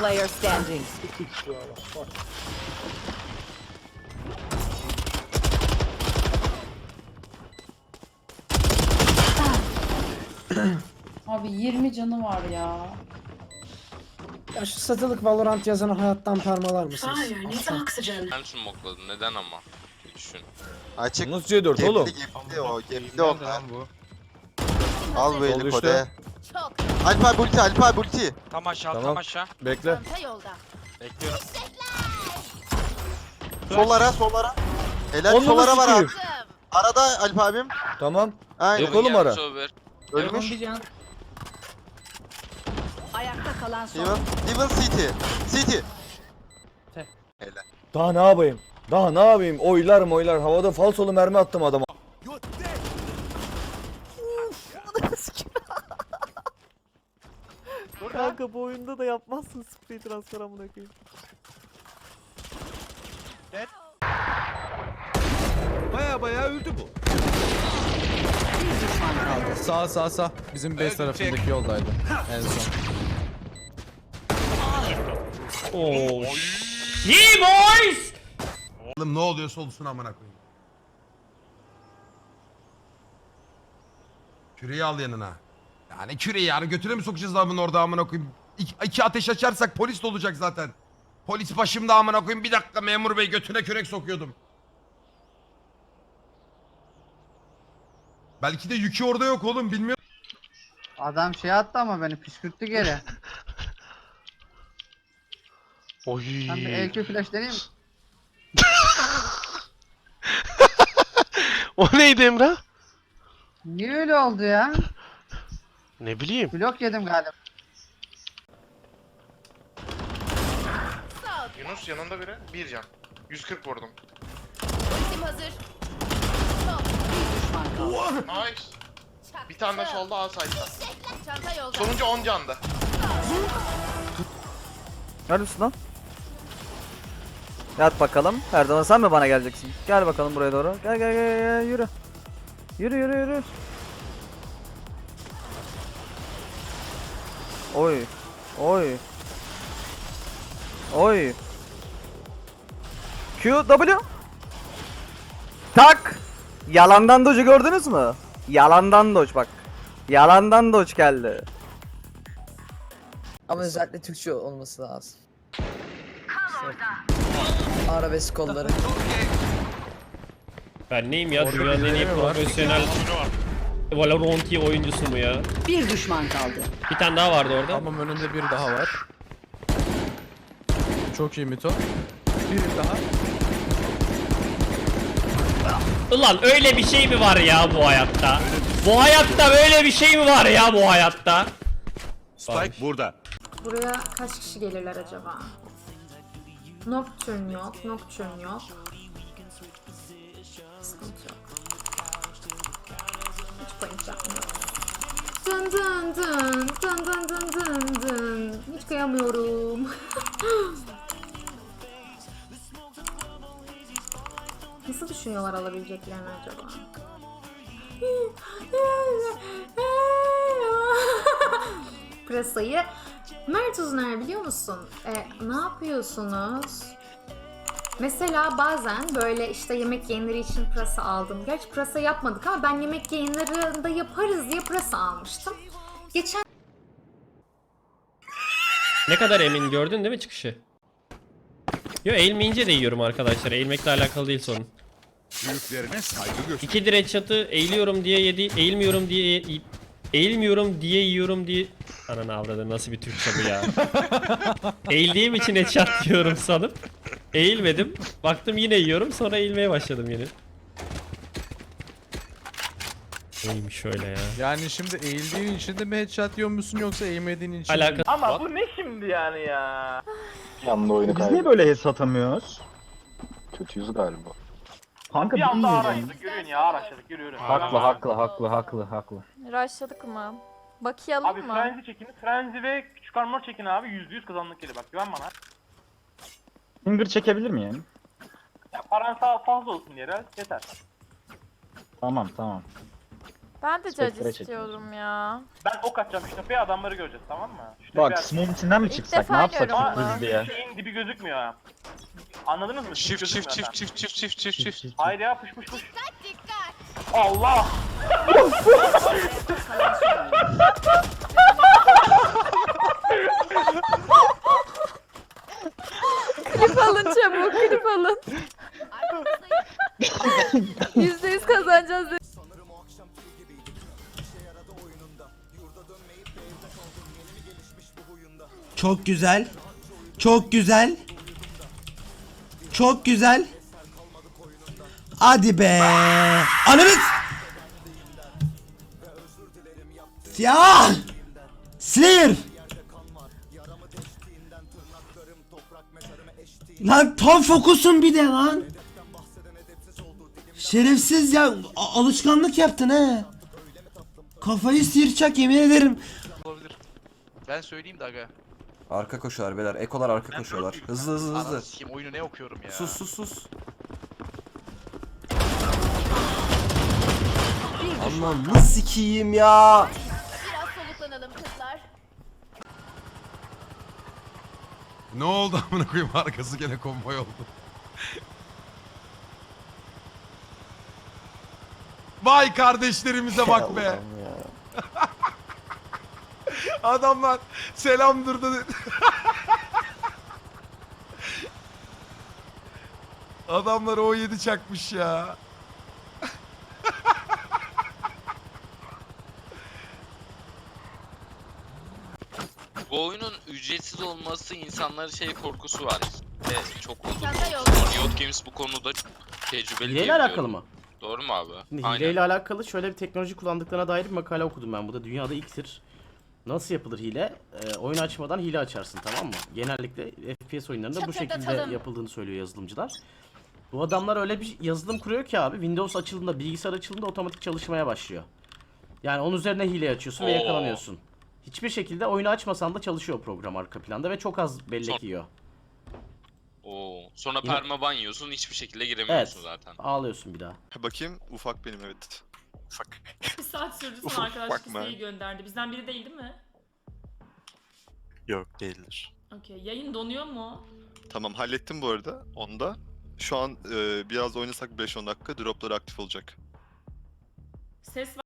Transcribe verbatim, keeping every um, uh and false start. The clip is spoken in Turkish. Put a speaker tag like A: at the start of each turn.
A: player standing.
B: Abi yirmi canı var ya.
C: Ya şu satılık Valorant yazanı hayattan permalar mısınız? Aslan.
D: Ben smokladım neden ama? Bir düşün.
E: Açık.
F: Nasıl C dört oğlum?
E: Gemli gemli o. Gemli onlar. Al bu eli
F: Oldu
E: kode.
F: işte.
E: Alp abi ulti, Alp abi ulti.
D: Tam aşağı
F: Tamam.
D: tam aşağı.
F: Bekle.
D: Bekliyorum.
E: Solara, solara. Helal
F: Onu
E: solara var abi.
F: sikeyim.
E: Arada Alp abim.
F: Tamam.
E: Aynen.
F: Yok oğlum ara.
E: Ölmüş.
A: Ayakta kalan son.
E: Devil, Devil City. City. Helal.
F: Daha ne yapayım? Daha ne yapayım? Oylar oylar. Havada falsolu mermi attım adama.
G: Kanka bu oyunda da yapmazsın sprey transfer amına koyayım.
H: Baya baya öldü bu.
A: Bir düşman kaldı.
H: Sağ sağ sağ. Bizim base tarafındaki yoldaydı en son.
I: Oğlum ne oluyorsa olsun amına koyayım. Küreği al yanına. Yani küreği yani götüre mi sokacağız lan bunu orada amına koyayım? İki, iki ateş açarsak polis de olacak zaten. Polis başımda amına koyayım. Bir dakika memur bey götüne kürek sokuyordum. Belki de yükü orada yok oğlum bilmiyorum.
J: Adam şey attı ama beni püskürttü geri.
D: Oy.
J: Ben bir E Q flash deneyeyim mi?
D: O neydi Emrah?
J: Niye öyle oldu ya?
D: Ne bileyim.
J: Blok yedim galiba.
D: Yunus yanında biri. Bir can. yüz kırk vurdum.
A: Ultim hazır. Bir düşman kaldı.
D: Nice. Bir tane de solda A side'da.
A: Çanta yolda.
D: Sonuncu on canda.
G: Neredesin lan? Yat bakalım. Her zaman sen mi bana geleceksin? Gel bakalım buraya doğru. Gel gel gel, gel. Yürü. Yürü yürü yürü. Oy. Oy. Oy. Q W. Tak. Yalandan dodge'u gördünüz mü? Yalandan dodge bak. Yalandan dodge geldi.
C: Ama özellikle Türkçe olması lazım. Arabesk kolları.
K: Ben neyim ya? Dünyanın en iyi profesyonel Valorant oyuncusu mu ya?
A: Bir düşman kaldı.
K: Bir tane daha vardı orada.
H: Tamam önünde bir daha var. Çok iyi Mito. Bir daha.
K: Ulan öyle bir şey mi var ya bu hayatta? Bu hayatta böyle bir şey mi var ya bu hayatta?
H: Spike burada.
B: Buraya kaç kişi gelirler acaba? Nocturne yok, Nocturne yok. Sıkıntı yok. Hiç point yapmıyorum. Dın dın dın dın dın dın dın dın. Hiç kıyamıyorum. Nasıl düşünüyorlar alabileceklerini acaba? Presayı Mert Uzuner biliyor musun? E, ne yapıyorsunuz? Mesela bazen böyle işte yemek yayınları için pırasa aldım. Gerçi pırasa yapmadık ama ben yemek yayınlarında yaparız diye pırasa almıştım. Geçen
K: Ne kadar emin gördün değil mi çıkışı? Yo eğilmeyince de yiyorum arkadaşlar. Eğilmekle alakalı değil sorun.
H: Büyüklerine saygı göster.
K: İki direç çatı eğiliyorum diye yedi, eğilmiyorum diye eğilmiyorum diye yiyorum diye. Ananı avradı nasıl bir Türkçe bu ya? Eğildiğim için headshot diyorum sanıp eğilmedim. Baktım yine yiyorum sonra eğilmeye başladım yine. Neymiş öyle ya?
H: Yani şimdi eğildiğin için de mi headshot yiyor musun yoksa eğilmediğin için mi?
K: Alakası.
G: Ama bu ne şimdi yani ya?
E: Yanında oyunu
G: Biz niye böyle head atamıyoruz?
E: Kötüyüz galiba.
G: Kanka bir anda araçladık yürüyün ya araçladık yürü.
D: Haklı,
G: haklı haklı haklı haklı.
B: Rushladık mı? Bakayalım
G: Abi frenzi çekin, frenzi ve küçük armor çekin abi yüzde yüz kazanlık geliyor bak güven bana.
J: Finger çekebilir miyim?
G: Ya paran sağ fazla olsun yere yeter.
J: Tamam tamam. Ben de
B: Spectre
J: cac istiyorum ya.
L: Ben ok atacağım şu tepeye, adamları göreceğiz, tamam mı? Şu
J: Bak,
L: tepeye
J: smoke'un içinden mi
B: İlk
J: çıksak?
B: defa
J: Ne yapsak
B: görüyorum
J: çok
B: bunu.
J: hızlı ya?
L: Şeyin dibi gözükmüyor ha. Anladınız mı?
D: Çift
L: Dibi
D: çift
L: gözükmüyor
D: çift çift çift çift çift çift.
L: Haydi ya, puş puş puş. Allah!
J: Klip alın çabuk, klip alın. Yüzde yüz kazanacağız.
C: Çok güzel. Çok güzel. Çok güzel. Hadi be. Ananız. Ya. Slayer. Lan tam fokusun bir de lan. Şerefsiz ya, a- alışkanlık yaptın he. Kafayı sıyıracak yemin ederim.
D: Olabilir. Ben söyleyeyim de aga.
F: Arka koşuyorlar beyler. Ekolar arka koşuyorlar. Hızlı hızlı hızlı.
D: Ananı sikeyim, oyunu ne okuyorum ya.
F: Sus sus sus. Aman nasıl sikiyim ya.
A: Biraz soluklanalım kızlar.
I: Ne oldu amına koyayım, arkası gene konvoy oldu. Vay kardeşlerimize bak be. Adamlar selam durdu. Adamlar o yedi çakmış ya.
L: Bu oyunun ücretsiz olması insanların şey korkusu var. Ve çok oldu.
A: Çanta yolda.
L: Riot Games bu konuda tecrübeli.
E: Hileyle alakalı mı?
L: Doğru mu abi?
E: Şimdi hileyle alakalı şöyle bir teknoloji kullandıklarına dair bir makale okudum ben. Bu da dünyada ilktir. Nasıl yapılır hile? Ee, oyun açmadan hile açarsın, tamam mı? Genellikle F P S oyunlarında bu şekilde
A: Çatırdatalım.
E: yapıldığını söylüyor yazılımcılar. Bu adamlar öyle bir yazılım kuruyor ki abi, Windows açıldığında, bilgisayar açıldığında otomatik çalışmaya başlıyor. Yani onun üzerine hile açıyorsun ve
L: Oo.
E: yakalanıyorsun. Hiçbir şekilde oyunu açmasan da çalışıyor program arka planda ve çok az bellek
L: Son-
E: yiyor.
L: Oo. Sonra
E: Yine-
L: permaban yiyorsun, hiçbir şekilde
E: Evet,
L: giremiyorsun zaten.
E: ağlıyorsun bir daha.
J: Bakayım, ufak benim evet. Ufak.
B: Bir saat sürdü
J: Ufak
B: sonra arkadaşlık
J: bakma.
B: isteği gönderdi. Bizden biri değil değil mi?
J: Yok değildir.
B: Okey. Yayın donuyor mu?
J: Tamam, hallettim bu arada onu da. Şu an e, biraz oynasak beş on dakika dropları aktif olacak.
B: Ses